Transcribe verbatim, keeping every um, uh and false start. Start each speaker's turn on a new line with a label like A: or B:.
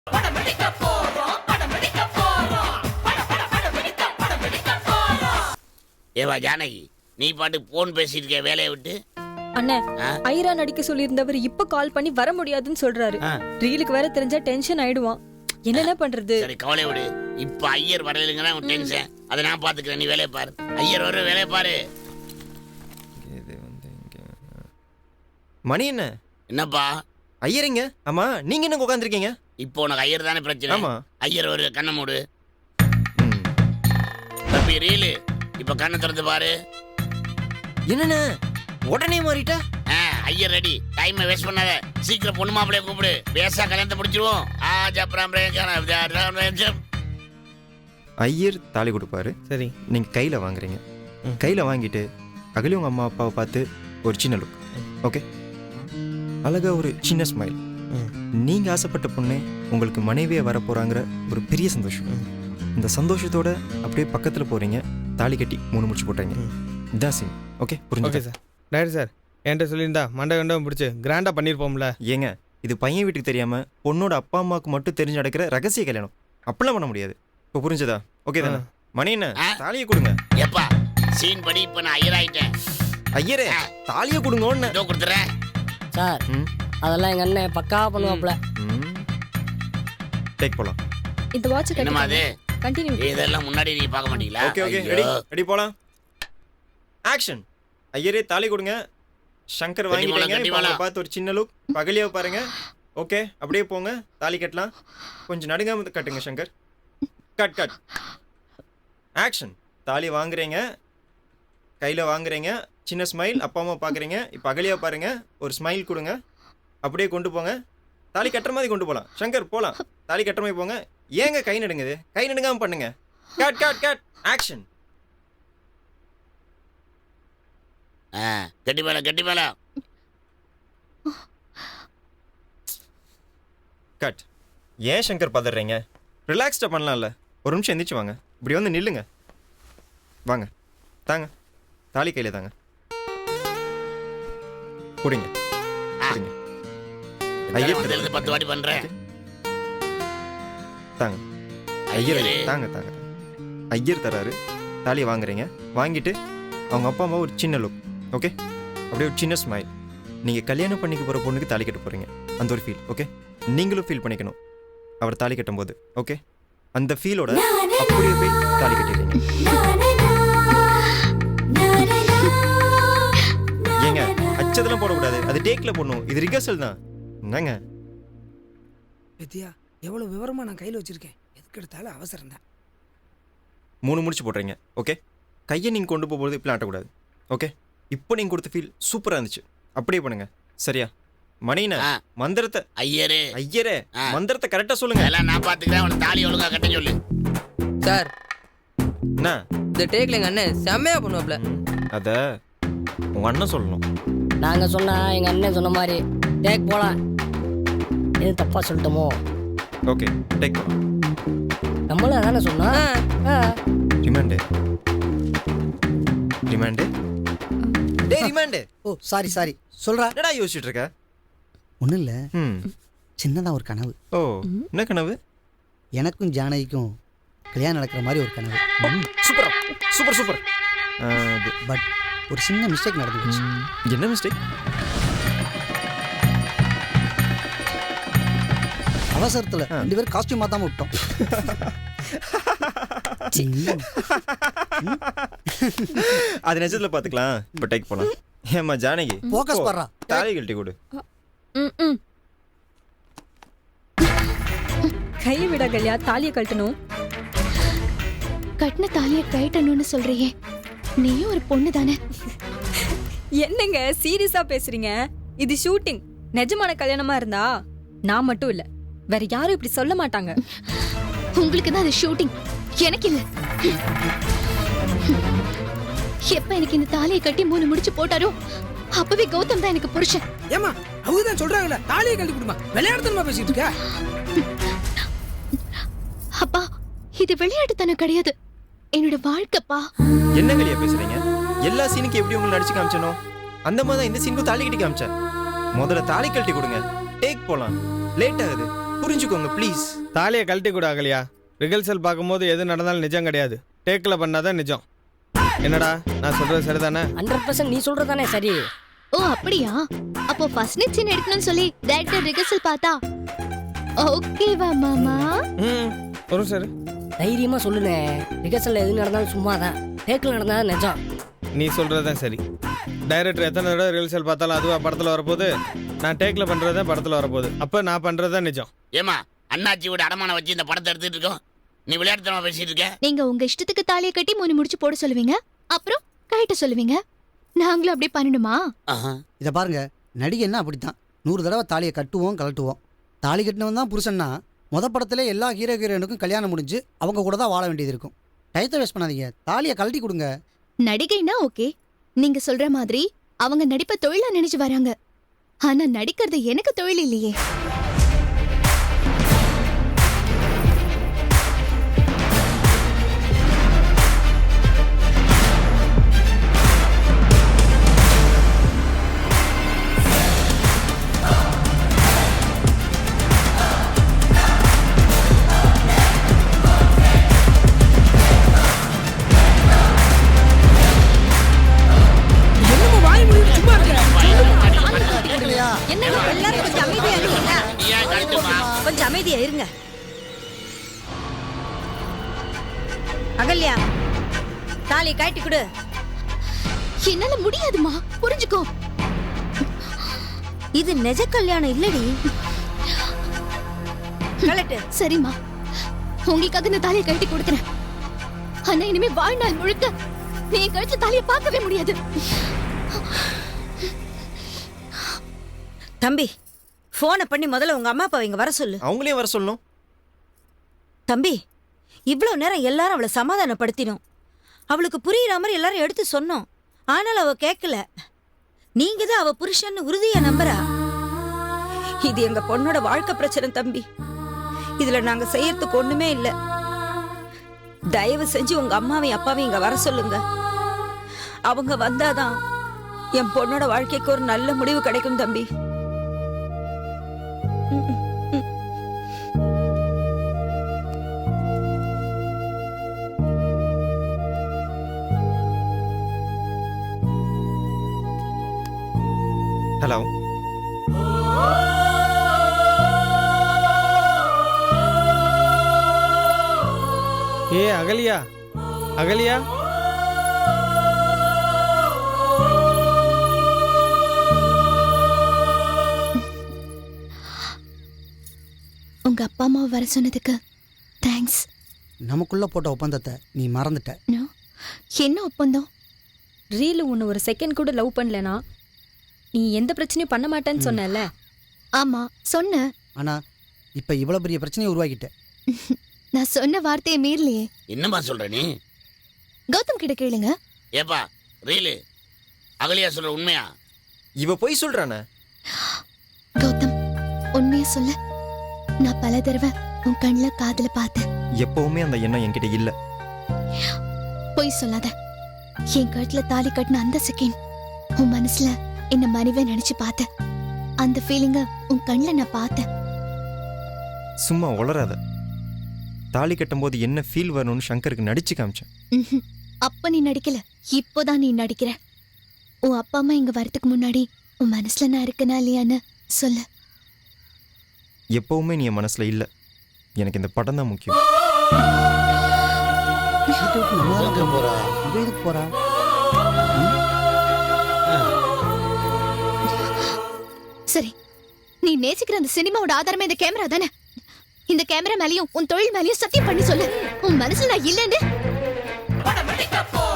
A: ஏவா ஜானகி, நீ பாட்டு போன் பேசிட்டு இருக்க வேலையை விட்டு.
B: அண்ணே, ஐரா நடிக்க சொல்லியிருந்தவர் இப்ப கால் பண்ணி வர முடியாதுன்னு சொல்றாரு. ரீலுக்கு வேற தெரிஞ்சா டென்ஷன் ஆயிடுவான். என்னென்ன பண்றது?
A: சரி கவலை விடு. இப்ப ஐயர் வரலைங்கன்னா உன் டென்ஷன். அதை நான் பாத்துக்கிறேன், நீ வேலையை பாரு. ஐயர் வர வேலையை பாரு.
C: மணி என்ன?
A: என்னப்பா
C: ஐயரிங்க? ஆமா, நீங்க என்ன உட்காந்துருக்கீங்க?
A: இப்போ உனக்கு ஐயர் தானே பிரச்சனை.
C: ஆமா.
A: ஐயர் ஒரு கண்ணை மூடு. தம்பி ரீலு, இப்ப கண்ணை திறந்து பாரு.
C: என்னண்ணே உடனே மாறிட்ட?
A: ஐயர் ரெடி. டைமை வேஸ்ட் பண்ணாத. சீக்கிரம் பொண்ணு மாப்பிளைய கூப்பிடு. பேசா கல்யாணத்தை முடிச்சிருவோம்.
C: ஐயர் தாலி கொடுப்பாரு. சரி, நீங்க கையில வாங்குறீங்க. கையில வாங்கிட்டு அகலி உங்க அம்மா அப்பாவை பார்த்து ஒரு சின்ன லுக். ஓகே, அழகா ஒரு சின்ன ஸ்மைல். நீங்க ஆசைப்பட்ட பொண்ணு உங்களுக்கு மனைவியா வர போறாங்கிற ஒரு பெரிய சந்தோஷம். இந்த சந்தோஷத்தோட அப்படியே பக்கத்துல போறீங்க. தாலி கட்டி மூணு முடிச்சு போட்டீங்க. இதான் சீன். ஓகே, புரிஞ்சுது
D: சார். டைரக்டர் சார் என்கிட்ட சொல்லியிருந்தா மண்டை கண்டம் பிடிச்சி கிராண்டா பண்ணியிருப்போம்ல.
C: ஏங்க, இது பையன் வீட்டுக்கு தெரியாம பொண்ணோட அப்பா அம்மாவுக்கு மட்டும் தெரிஞ்சு நடக்கிற ரகசிய கல்யாணம். அப்படிலாம் பண்ண முடியாது. இப்போ புரிஞ்சதா? ஓகே தானே? மணி என்ன, தாலியை கொடுங்க.
A: எப்பா சீன் படி இப்ப நான் ஐயர் ஆயிட்டேன்.
C: ஐயரே, தாலியை கொடுங்கன்னு
A: இதோ கொடுத்துறேன்
E: சார். அதெல்லாம் எங்க அண்ணன் பக்கா பண்ணுவாப்ல.
C: டேக் போலாம்.
B: இந்த வாட்ச்
A: என்னமா அது?
B: கண்டினியூ.
A: இதெல்லாம் முன்னாடி நீ பார்க்க மாட்டீங்களா?
C: ஓகே ஓகே, ரெடி ரெடி போலாம். ஆக்ஷன். ஐயரே தாலி கொடுங்க. சங்கர் வாங்கிட்டீங்க. இப்போ பார்த்து ஒரு சின்ன லுக். பகலியா பாருங்க. ஓகே, அப்படியே போங்க. தாலி கட்டலாம். கொஞ்சம் நடுங்காம கட்டுங்க சங்கர். Cut cut. ஆக்ஷன். தாலி வாங்குறீங்க, கையில வாங்குறீங்க. சின்ன ஸ்மைல். அப்பா அம்மா பாக்குறீங்க. இப்போ அகலியா பாருங்க. ஒரு ஸ்மைல் கொடுங்க. அப்படியே கொண்டு போங்க. தாலி கட்டுற மாதிரி கொண்டு போகலாம். சங்கர் போகலாம். தாலி கட்டுற மாதிரி போங்க. ஏங்க கை நடுங்குது? கை நடுங்காம பண்ணுங்க. Cut cut cut. ஆக்ஷன்.
A: கட்டி மேல கட்டி மேல.
C: கட். ஏன் சங்கர் பதறீங்க? ரிலாக்ஸ்டா பண்ணலாம்ல. ஒரு நிமிஷம் எந்திரிச்சு வாங்க. இப்படி வந்து நில்லுங்க. வாங்க, தாங்க தாலி கையில தாங்க. குடிங்க குடிங்க.
A: ஐயர் பத்து வாட்டி பண்றேன்.
C: தாங்க ஐயர். தாங்க தாங்க. ஐயர் தராரு. தாலியை வாங்குறீங்க. வாங்கிட்டு அவங்க அப்பா அம்மா ஒரு சின்ன லுக். ஓகே, அப்படியே ஒரு சின்ன ஸ்மைல். நீங்கள் கல்யாணம் பண்ணிக்க போகிற பொண்ணுக்கு தாலி கட்ட போகிறீங்க. அந்த ஒரு ஃபீல். ஓகே, நீங்களும் ஃபீல் பண்ணிக்கணும் அவர் தாலி கட்டும் போது. ஓகே, அந்த ஃபீலோட அப்படியே போய் தாலி கட்டிடுறீங்க. ஏங்க, அச்சதெல்லாம் போடக்கூடாது. அது டேக்கில் போடணும். இது ரிகர்சல் தான். என்னங்க
F: வித்யா, எவ்வளோ விவரமா நான் கையில் வச்சிருக்கேன். எதுக்கு எடுத்தாலும் அவசரம் தான்.
C: மூணு முடிச்சு போடுறீங்க. ஓகே, கையை நீங்கள் கொண்டு போகும்போது இப்படி ஆட்டக்கூடாது. ஓகே, இப்போ நீங்கள் கொடுத்த ஃபீல் சூப்பராக இருந்துச்சு. அப்படியே பண்ணுங்க. சரியா? மணினா மந்திரத்தை.
A: ஐயரே
C: ஐயரே மந்திரத்தை கரெக்டாக சொல்லுங்க.
A: எல்லாம் நான் பார்த்துக்கிறேன். அவனை தாலி ஒழுங்கா கட்ட சொல்லு.
E: சார்,
C: என்ன
E: இந்த டேக்ல எங்க அண்ணன் செம்மையா பண்ணுவாப்ல.
C: அத உங்க அண்ணன் சொல்லணும்.
E: நாங்க சொன்னா எங்க அண்ணன் சொன்ன மாதிரி டேக் போலாம். இது தப்பா சொல்லிட்டோமோ?
C: ஓகே, டேக் போலாம்.
E: நம்மளும் அதானே சொன்னா.
C: ரிமாண்டு ரிமாண்டு டேய் ரிமாண்டு.
F: Oh sorry sorry. சொல்றா.
C: என்னடா யோசிச்சுட்டு இருக்க?
F: ஒன்றும் இல்லை,
C: ம்
F: சின்னதாக ஒரு கனவு.
C: ஓ, என்ன கனவு?
F: எனக்கும் ஜானகிக்கும் கல்யாணம் நடக்கிற மாதிரி ஒரு கனவு.
C: சூப்பரா, சூப்பர் சூப்பர்.
F: பட் ஒரு சின்ன மிஸ்டேக் நடந்துச்சு.
C: என்ன மிஸ்டேக்?
F: அவசரத்தில் ரெண்டு பேரும் காஸ்டியூம் மாத்தாம விட்டோம்.
C: அது நிஜத்துல பாத்துக்கலாம். இப்ப டேக் போலாம். ஏமா ஜானகி,
F: ஃபோக்கஸ் பண்றா.
C: தாலி கழட்டி கொடு.
B: கை விட கல்யா, தாலியை கட்டணும்.
G: கட்டின தாலியை கட்டணும்னு சொல்றியே, நீயும் ஒரு பொண்ணு தானே?
B: என்னங்க சீரியஸா பேசுறீங்க? இது ஷூட்டிங். நிஜமான கல்யாணமா இருந்தா நான் மட்டும் இல்ல, வேற யாரும் இப்படி சொல்ல மாட்டாங்க.
G: உங்களுக்கு தான் அது ஷூட்டிங், எனக்கு இல்ல. எப்ப எனக்கு இந்த தாலியை கட்டி மூணு முடிச்சு போட்டாரோ அப்பவே கௌதம் தான் எனக்கு புருஷன்.
F: ஏமா அவங்க தான் சொல்றாங்கல்ல, தாலியை கட்டி கொடுமா. விளையாட்டுத்தனமா பேசிட்டு இருக்க.
G: அப்பா, இது விளையாட்டுத்தனம் கிடையாது, என்னோட வாழ்க்கைப்பா.
C: என்ன கலியா பேசுறீங்க? எல்லா சீனுக்கு எப்படி உங்களுக்கு நடிச்சு காமிச்சனோ அந்த மாதிரி தான் இந்த சீனுக்கும் தாலி கட்டி காமிச்சேன். முதல்ல தாலி கழட்டி கொடுங்க. டேக் போலாம். லேட் ஆகுது, புரிஞ்சுக்கோங்க ப்ளீஸ்.
D: தாலியை கழட்டி கூட அகலியா. ரிகல்சல் பார்க்கும்போது எது நடந்தாலும் நிஜம் கிடையாது. டேக்கில் பண்ணாதான் நிஜம். என்னடா நான் சொல்றது சரிதானே?
E: ஹண்ட்ரட் பர்சன்ட் நீ சொல்றது தானே சரி.
G: ஓ அப்படியா? அப்போ ஃபர்ஸ்ட் நைட் சீன் எடுக்கணும்னு சொல்லி டைரக்டர் ரிகர்சல் பார்த்தா ஓகேவா மாமா?
D: ம் வரும் சார்.
E: தைரியமா சொல்லுனே. ரிகர்சல்ல எது நடந்தாலும் சும்மா தான். டேக்கில் நடந்தா நிஜம்.
D: நீ சொல்கிறது தான் சரி. டைரக்டர் எத்தனை தடவை ரிகல்சல் பார்த்தாலும் அதுவா படத்தில் வரப்போகுது. நான் டேக்கில் பண்ணுறது தான் படத்தில் வரப்போகுது. அப்போ நான் பண்ணுறது தான் நிஜம்.
A: ஏமா அண்ணாச்சியோட அடமானம் வச்சு இந்த படத்தை எடுத்துட்டு இருக்கோம், நீ விளையாட்டுத்தனமா பேசிட்டு இருக்க.
G: நீங்க உங்க இஷ்டத்துக்கு தாலியை கட்டி மூணு முடிச்சு போட சொல்லுவீங்க, அப்புறம் கழட்ட சொல்லுவீங்க. நாங்களும் அப்படியே பண்ணணுமா?
A: ஆஹா.
H: இதை பாருங்க, நடிகைன்னா அப்படித்தான். நூறு தடவை தாலியை கட்டுவோம் கழட்டுவோம். தாலி கட்டினவன் தான் புருஷன்னா முத படத்துல எல்லா ஹீரோ ஹீரோயினுக்கும் கல்யாணம் முடிஞ்சு அவங்க கூட தான் வாழ வேண்டியது இருக்கும். டயத்தை வேஸ்ட் பண்ணாதீங்க, தாலியை கழட்டி கொடுங்க.
G: நடிகைனா ஓகே, நீங்க சொல்ற மாதிரி அவங்க நடிப்பை தொழிலா நினைச்சு வராங்க. ஆனா நடிக்கிறது எனக்கு தொழில் இல்லையே.
F: என்னமோ வாய் மூடிட்டு சும்மா இருக்க.
B: என்ன எல்லாரும் கொஞ்சம் அமைதியா இருங்க.
A: நீ ஏன் கழட்டுமா?
B: கொஞ்சம் அமைதியா இருங்க. அகல்யா, தாலி கழட்டி கொடு.
G: என்னால முடியாதுமா, புரிஞ்சுக்கோ.
B: இது நிஜ கல்யாணம் இல்லடி. கழட்டு.
G: சரிம்மா, உங்களுக்காக இந்த தாலியை கழட்டி கொடுக்குறேன். ஆனா இனிமே வாழ்நாள் முழுக்க நீ என் கழுத்து தாலியை பார்க்கவே முடியாது.
B: தம்பி, போனை பண்ணி முதல்ல உங்க அம்மா அப்பா இங்க வர சொல்லு.
C: அவங்களே வர சொல்லணும்.
B: தம்பி, இவ்வளவு நேரம் எல்லாரும் அவளை சமாதானப்படுத்தினோம். அவளுக்கு புரியுற மாதிரி எல்லாரும் எடுத்து சொன்னோம். ஆனால் அவ கேட்கல. நீங்க தான் அவ புருஷன் உறுதியா நம்புறா. இது எங்க பொண்ணோட வாழ்க்கை பிரச்சனை தம்பி. இதுல நாங்க செய்யறதுக்கு ஒண்ணுமே இல்ல. தயவு செஞ்சு உங்க அம்மாவையும் அப்பாவையும் இங்க வர சொல்லுங்க. அவங்க வந்தாதான் என் பொண்ணோட வாழ்க்கைக்கு ஒரு நல்ல முடிவு கிடைக்கும் தம்பி.
C: ஹலோ.
D: ஏ அகலியா, அகலியா.
G: உங்க அப்பா அம்மா வர சொன்னதுக்கு தேங்க்ஸ்.
H: நமக்குள்ள போட்ட ஒப்பந்தத்தை நீ மறந்துட்ட.
G: என்ன ஒப்பந்தம்?
B: ரீலு உன்னை ஒரு செகண்ட் கூட லவ் பண்ணலனா நீ எந்த பிரச்சனையும் பண்ண மாட்டேன்னு சொன்னல.
G: ஆமா சொன்ன.
H: ஆனா இப்ப இவ்வளவு பெரிய பிரச்சனையை உருவாக்கிட்ட.
G: நான் சொன்ன வார்த்தையை மீறலையே.
A: என்னம்மா சொல்ற நீ?
G: கௌதம் கிட்ட கேளுங்க.
A: ஏப்பா ரீலு, அகலியா சொல்ற உண்மையா?
C: இவ போய் சொல்றானே.
G: கௌதம், உண்மையா சொல்ல. நான் பல தடவை உன் கண்ணுல காதுல பார்த்தேன்.
C: எப்பவுமே அந்த எண்ணம் என்கிட்ட இல்ல.
G: பொய் சொல்லாத. என் கழுத்துல தாலி கட்டின அந்த செகண்ட் உன் மனசுல என்ன மனைவியா நினைச்சு பார்த்தேன். அந்த ஃபீலிங்க உன் கண்ணுல நான் பார்த்தேன்.
C: சும்மா உளராத. தாலி கட்டும் போது என்ன ஃபீல் வரணும்னு சங்கருக்கு நடிச்சு காமிச்சேன்.
G: ம்ஹும். அப்ப நீ நடிக்கல, இப்போதான் நீ நடிக்கிற. உன் அப்பா அம்மா இங்க வரதுக்கு முன்னாடி உன் மனசுல நான் இருக்கனா இல்லையான்னு சொல்லு.
C: எப்பவுமே நீ என் மனசுல இல்ல. எனக்கு இந்த படம் தான் முக்கியம்.
H: போறா எதுக்கு போறா?
G: சரி, நீ நேசிக்கிற அந்த சினிமாவோட ஆதாரமே இந்த கேமரா தானே? இந்த கேமரா மேலயும் உன் தொழில் மேலயும் சத்தியம் பண்ணி சொல்லு. உன் மனசுல நான் இல்லைன்னு.